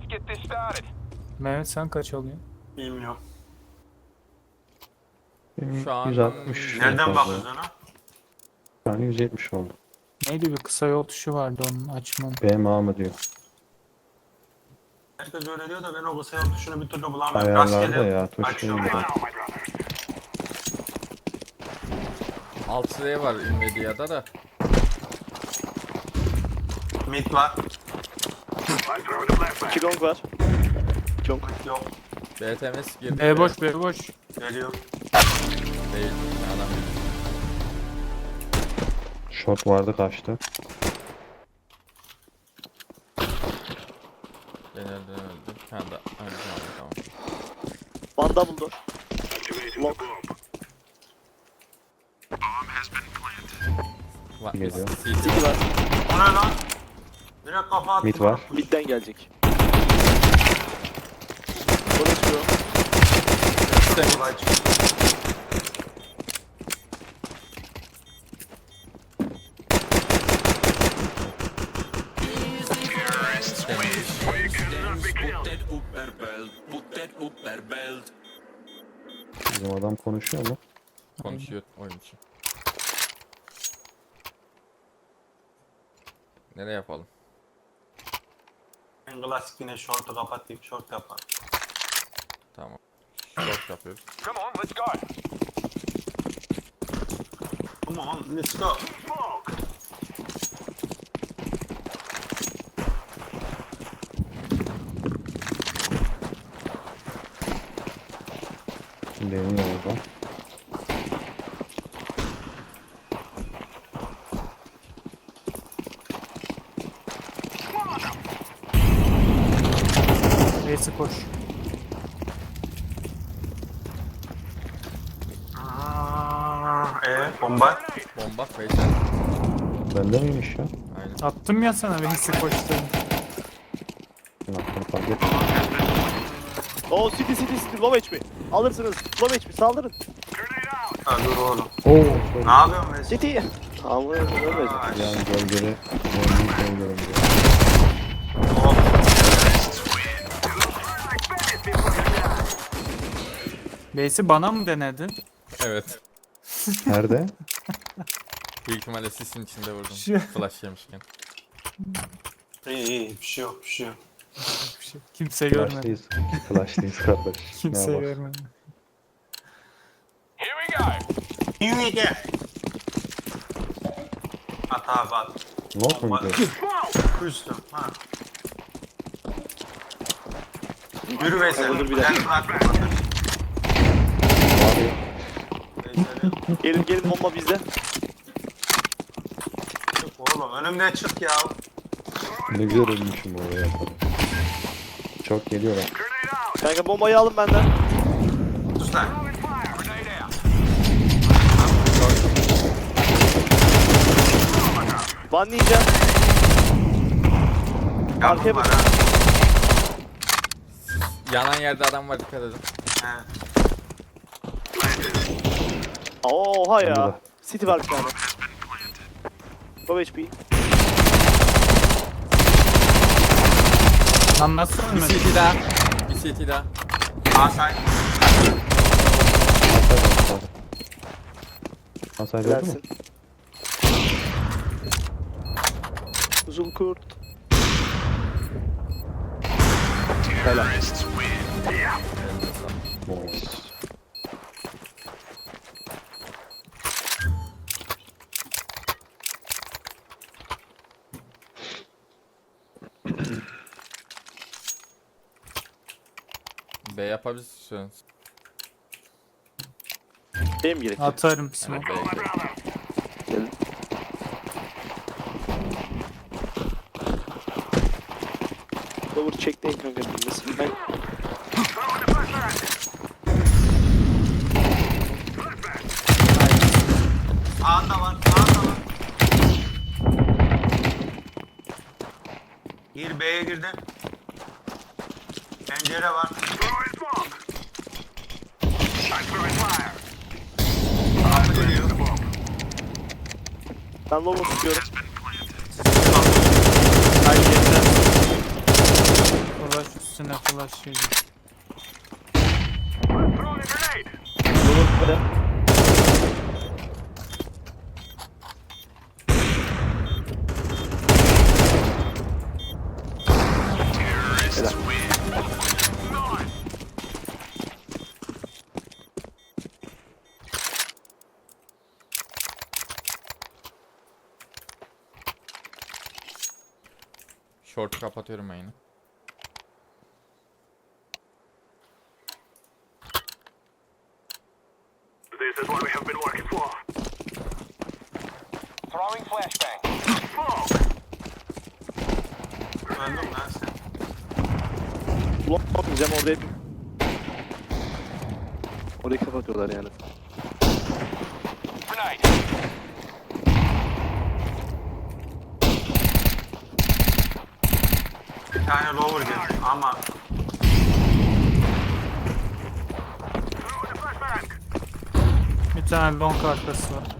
Mehmet sen kaç alıyorsun? Bilmiyorum. Benim Şu an 160. Nereden bakıyorsun ona? Şu an 170 oldu. Neydi bir kısa yol tuşu vardı onun açmam. BMA mı diyor. Herkes öyle diyor da ben o kısa yol tuşunu bir türlü bulamıyorum. Ayarlarda Rastgele ya tuş değil açıyorum mi? ben. 6 var Nvidia'da da. Mid var. 2 long var. 2 long. Yok. BTMS girdi. B boş B boş. Geliyor. Değil. Adam. Short vardı kaçtı. Ben öldüm. Ha da. Tamam. One double door. Long. Geliyor. City var. O ne lan? Direkt kafa attı. Mid var. Mid'den gelecek. Bana çıkıyor. Kolay çıktı. Bizim adam konuşuyor mu? Konuşuyor oyuncu. Nereye yapalım? En klasik yine short'u kapatayım. Short yapar. Tamam. Short yapıyoruz. Come on, let's go. Benim de orada. B'si koş. Bomba. Bomba Faysal. Bende miymiş ya? Aynen. Attım ya sana B'si koş dedim. Ben attım fark et. Oo City. Low HP. Alırsınız. Low HP. Saldırın. Ha, dur oğlum. Oo. Ne yapıyorsun Mesut? City. Tamam ölmez. Yani gölgeli. Gölgeli diyor. Oh. B'si bana mı denedin? Evet. Nerede? Büyük ihtimalle sisin içinde vurdum. Şu- Flash yemişken. İyi bir şey yok. Kimse görmedi. Flash'tayız. Flash'tayız kardeş. Kimse Ne bak. görmedi. Here we go. At abi at. Not mu gidiyor? Üstüm. Ha. Yürü Veysel. Olur bir dakika. Ben bırakma. Abi. Gelin bomba bizde. Oğlum önümden çık ya. Ne güzel ölmüşüm oraya. Çok geliyor lan. Kanka bombayı alın benden. Sus lan. One ninja. Yardım var ha. Yanan yerde adam var, dikkat edin. He. Oha ya. Burada. City var bir tane. Low HP. Lan nasıl Bir ölmedi? CT daha. Bir CT daha. Asay. Masaydı oldu mu? Versin. Uzun kurt. Helal. Elinize sağlık. Nice. B yapabilirsiniz. Benim gerek. Atarım Evet, smoke. B'ye gidelim. Gelin. Lower check'teyin kanka bilmesin. Ben Sağında var. Sağında var. Gir B'ye girdi. Pencere var. Kapı geliyor. ben lower tutuyorum. Hayır yeter. flash üstüne flash yedi. Yolun böyle. Short'u kapatıyorum ben yine. This is what we have been working for. Throwing flashbang. Öldüm lan sen. Ulan bakmayacağım orada hep. Orayı kapatıyorlar yani. Grenade. Bir tane lower geldi ama Throwing a flashbang. Bir tane long arkası var.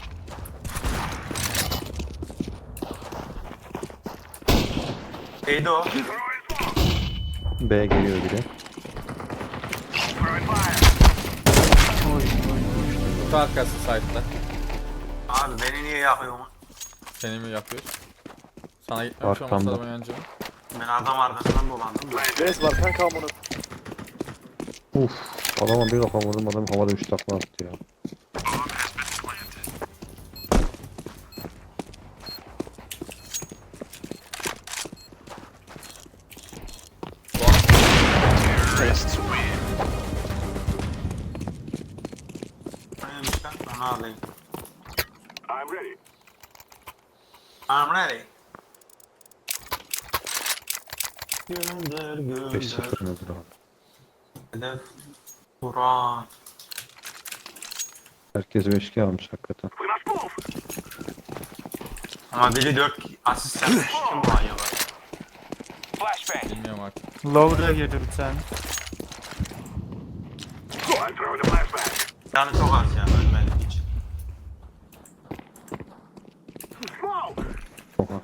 neydi o? Throwing smoke. B geliyor biri. Throwing fire. Oy oy. Kutu arkası site'da. Abi beni niye yakıyorsun? Seni mi yapıyoruz? Sana gitmemiş olmasa Arkamda. da oynancı. Ben adam arkasından dolandım. Res var kanka amına. Uf. Adama bir kafa vurdum, adam havada 3 takla attı ya. Neymiş lan? Onu alayım. I'm ready. I'm ready. Gönder 5-0 gönder. nedir abi? Hedef. Burak. Herkes 5-2 almış hakikaten. We must move. Ama biri 4 asist yapmış. Kim bu acaba? Flashbang. Bilmiyorum artık. Lower'a girdi bir tane. I'm throwing a flashbang. Yani çok az ya ölmedik hiç. Smoke. Oha.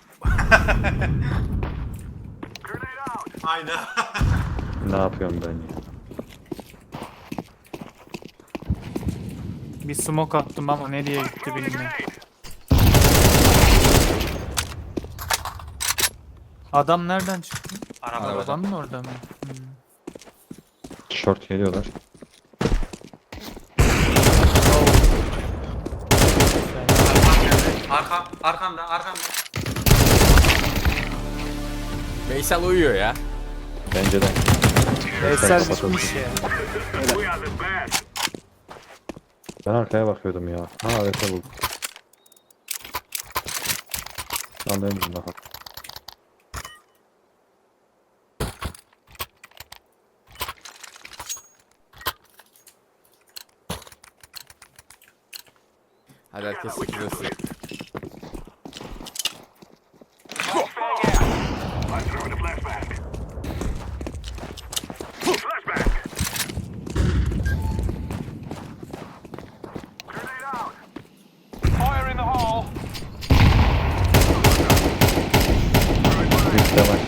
Grenade out. Hayda. Ne yapıyorum ben ya? Bir smoke attım ama nereye gitti bilmiyorum. Grenade. Adam nereden çıktı? Araba. Araba. Arabanın orada mı? Hmm. Short geliyorlar. Arkamda arkamda. Veysel uyuyor ya. Bence de. Eser kapatıldı. bitmiş ya. We are the best. Ben arkaya bakıyordum ya. Ha evet buldum. Anlayamadım daha. Hadi herkes sıkılsın. Flashbang out. I'm throwing a flashbang. Flashbang. Grenade out. Fire in the hole. Bir de var.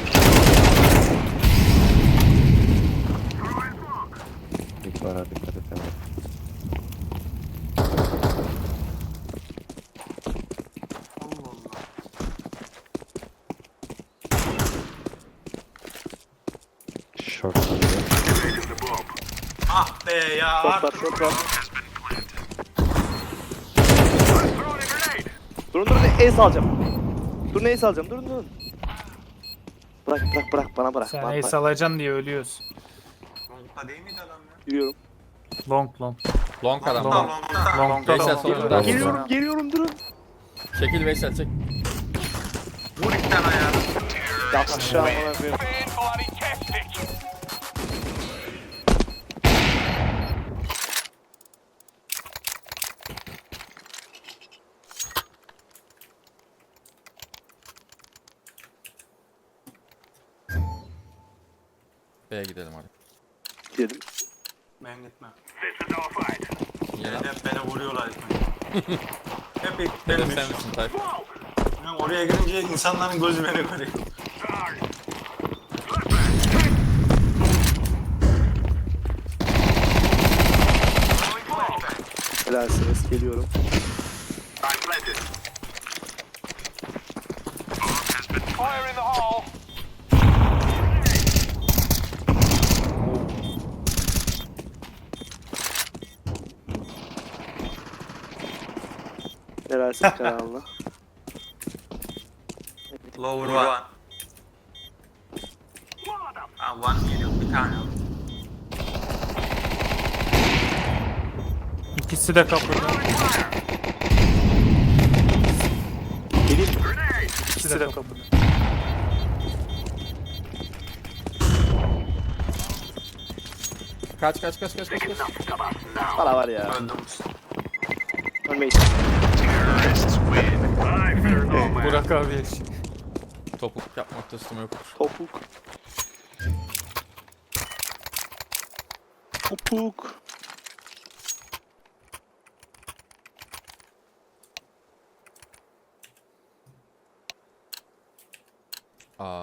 Throwing smoke. Bir var hadi dikkat et hemen. Short geliyor. Activating the bomb. Ah be ya. Short var short var. I'm throwing a grenade. Durun ace alacağım. Durun ace alacağım durun. Bırak bana bırak. Sen Bana ace bırak. alacaksın diye ölüyorsun. Long'da değil miydi adam ya? Giriyorum. Long. Long adam. Long'da Long. long'da. Long'da Veysel long. solunda. Geliyorum durun. Çekil Veysel çek. Vur iki tane ayağını. Yat aşağı amına koyayım. Fan bloody tastic. B'ye gidelim hadi. Gidelim. Ben gitmem. This is our fight. Niye lan? Hep beni vuruyorlar. Hep ilk Hedef benmiş. sen misin Tayfun? Smoke. Ben oraya girince insanların gözü beni görüyor. Charge. Flashbang. Helalsiniz. Geliyorum. I'm planted. Fire in the hole. Helalsin kanalına. Lower one. One geliyor. Bir tane var. İkisi de kapıda. Geleyim. İkisi de kapıda. Kaç. Para var ya. Öldüm. Ölmeyiz. Burak abi yaşıyor. Topuk yapmakta üstüme yoktur. Topuk. Topuk. Aa.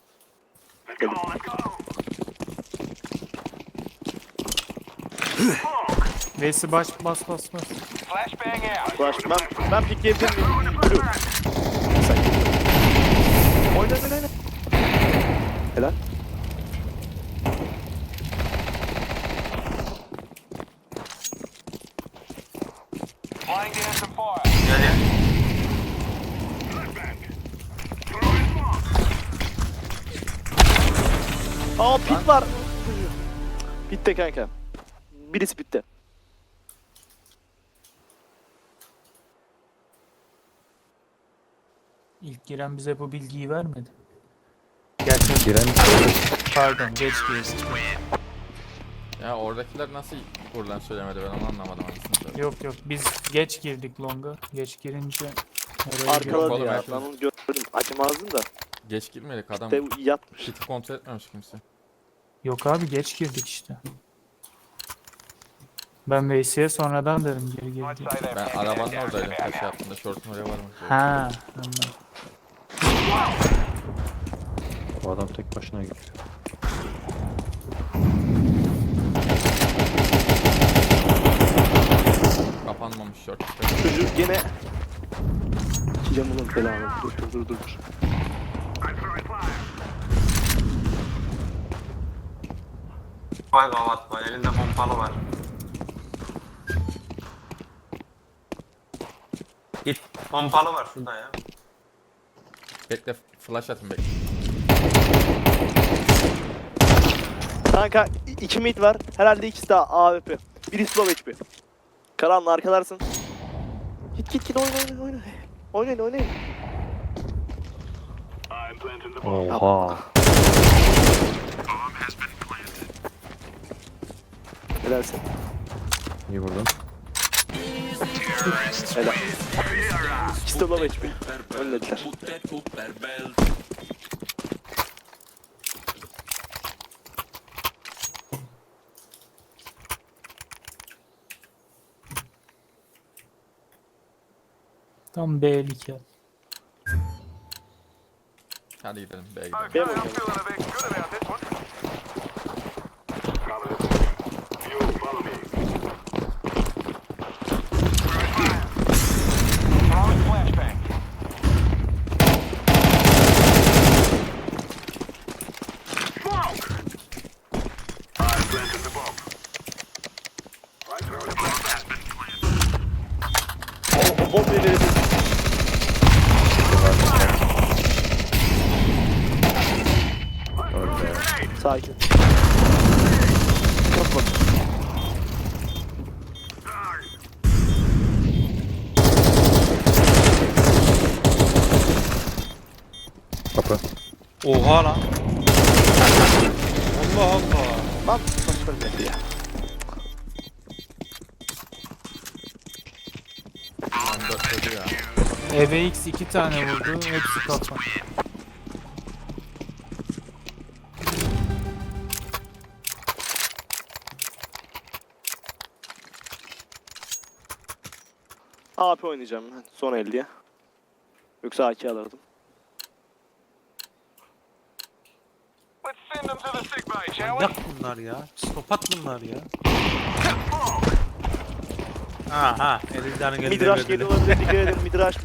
Veysi bas. Flashbang out. Flash. Ben pikleyebilir miyim? Blue. Sen git. Oyna. Helal. Laying down some fire. Gel ya. Aa pit var. Bitti kanka. Birisi bitti. İlk giren bize bu bilgiyi vermedi. Gerçekten. Giren Pardon geç girdi. Ya oradakiler nasıl buradan söylemedi ben onu anlamadım aslında. Yok biz geç girdik longa. Geç girince oraya Arkaladı oğlum, ya. herkes- Ben onu gördüm. Acımazdım da. Geç girmedik adam. De yatmış. Kiti kontrol etmemiş kimse. Yok abi geç girdik işte. Ben Veysi'ye sonradan dedim geri I'd girdi. say they're Ben picking arabanın it down oradaydım about kaç now. yaptığında şortun oraya varmak üzere. Ha anladım. o adam tek başına gidiyor. Kapanmamış şort. Çocuk gene... Camının belanı. Dur. Vay gavat vay. Elinde pompalı var. Git. Pompalı var şurada ya. Bekle flash atın bekle. Kanka 2 mid var. Herhalde ikisi de AWP. Biri slow HP. Karanlı arkalarsın. Git oyna. Oynayın. I'm planting the bomb. Oha. Helalsin. İyi vurdun. Helal. İkisi de low HP. Önlediler. Tam B2 yap. Hadi gidelim B'ye gidelim. Okay, Benim I'm hocam. feeling a bit good about this one. You follow me. Throwing flashbang. Smoke! I planted the bomb. I throw the bomb has been planted. O bombayı verebilirsin. Öyle. Sakin. Çok bak. Kapı. Oha lan. Allah Allah. Lan saçma bir ya. Lan 4 dedi ya. EVX 2 tane vurdu. Hepsi kafa. AP oynayacağım ben son 50'ye. Yoksa AK alırdım. Let's send them to the sick bay, shall we? Yak bunlar ya. Psikopat bunlar ya. Aha. Elincan'ın elinde Midrash geliyor olabilir, dikkat edin Midrash.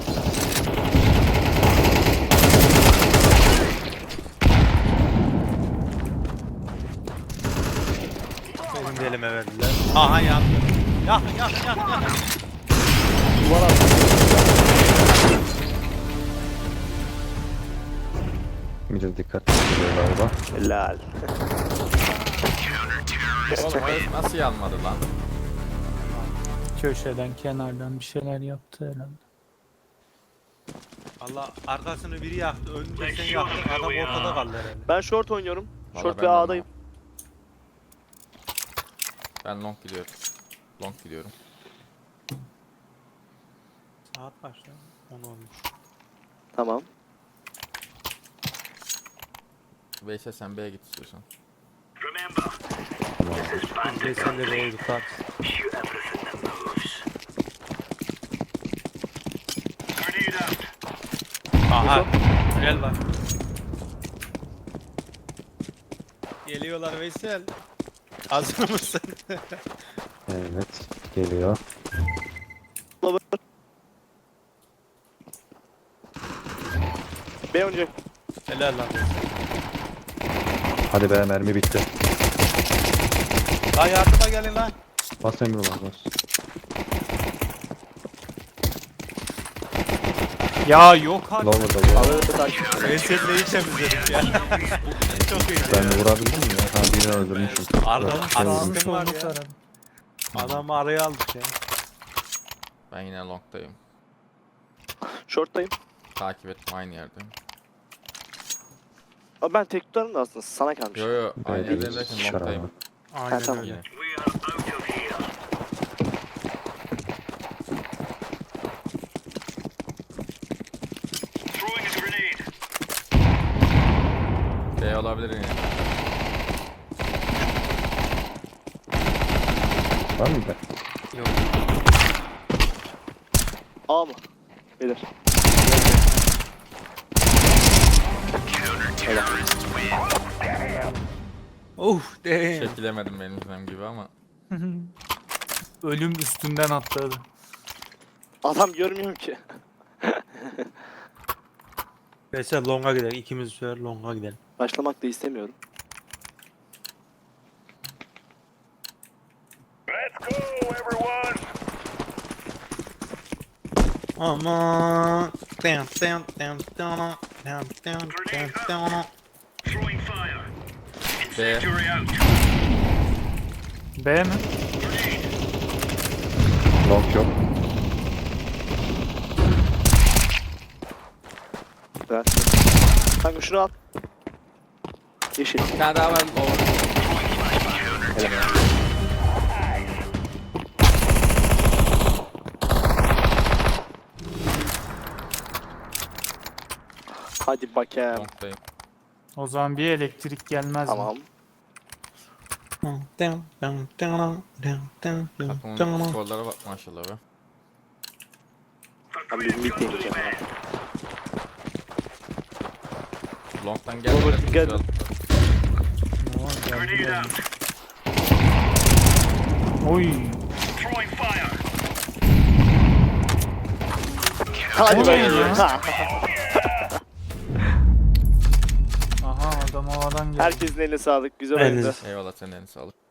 Benim de elime verdiler. Aha yandı. Yak. Duvar attı. Midir dikkat ediyor galiba. Helal. Oğlum herif nasıl yanmadı lan? Köşeden, kenardan bir şeyler yaptı herhalde. Allah arkasını biri yaktı. Önünde sen yaktın. Adam ortada kaldı herhalde. Ben short oynuyorum. Vallahi Short ben ve de A'dayım. Ben long gidiyorum. Long gidiyorum. Saat kaç lan? 10 olmuş. Tamam. Veysel sen B'ye git istiyorsan. Remember, this is bandit Geçen de country. oldu saat. Shoot everything that moves. Grenade out. Aha. Gel bak. Geliyorlar Veysel. Hazır mısın? Evet. Geliyor. B oynayacak. Helal lan. Hadi be mermi bitti. Lan yardıma gelin lan. Bas Emrullah bas. Ya yok artık. Lower'da bu. Ağları takip. Veysel'le iyi temizledik ya. Çok iyi. Ben de vurabildim mi ya? Ha birini öldürmüşüm. Arkadan Yok, sağını öldürmüşüm. Kim var ya? Aradı. Adamı araya aldık ya. Ben yine long'dayım. Short'tayım. Takip ettim aynı yerdeyim. Ama ben tek tutarım da aslında sana kalmış. Yo yo aynı Belki yerdeyim derken şaraba. long'dayım. Aynen tamam. öyle. Yine. We are out of here. Throwing a grenade. B olabilir yine. Var mı be? A mı? Beyler. Uf damn. Çekilemedim benim yüzüm gibi ama. Ölüm üstünden atladı. Adam görmüyorum ki. Veysel longa gidelim. İkimiz sürer longa gidelim. Başlamak da istemiyorum. Let's go, everyone. Aman. Down down down down down down down down. Throwing fire. B. Incendiary out. B mi? Long yok. Ver. Kanka şunu al. Yeşil. Bir tane daha var. Hadi bakayım. Long'dayım. O zaman bir elektrik gelmez Tamam. mi? Down down down down down Takımın down. skorlara bak maşallah be. Ben bir mid deneyeceğim. Long'dan Olur, gelmeden dikkat güzel. edin. Grenade out. Oy. Throwing fire. Hadi O ne bakayım. ya? Ha. Aha adam havadan geldi. Herkesin eline sağlık. Güzel Elinize oyundu. Eyvallah senin eline sağlık.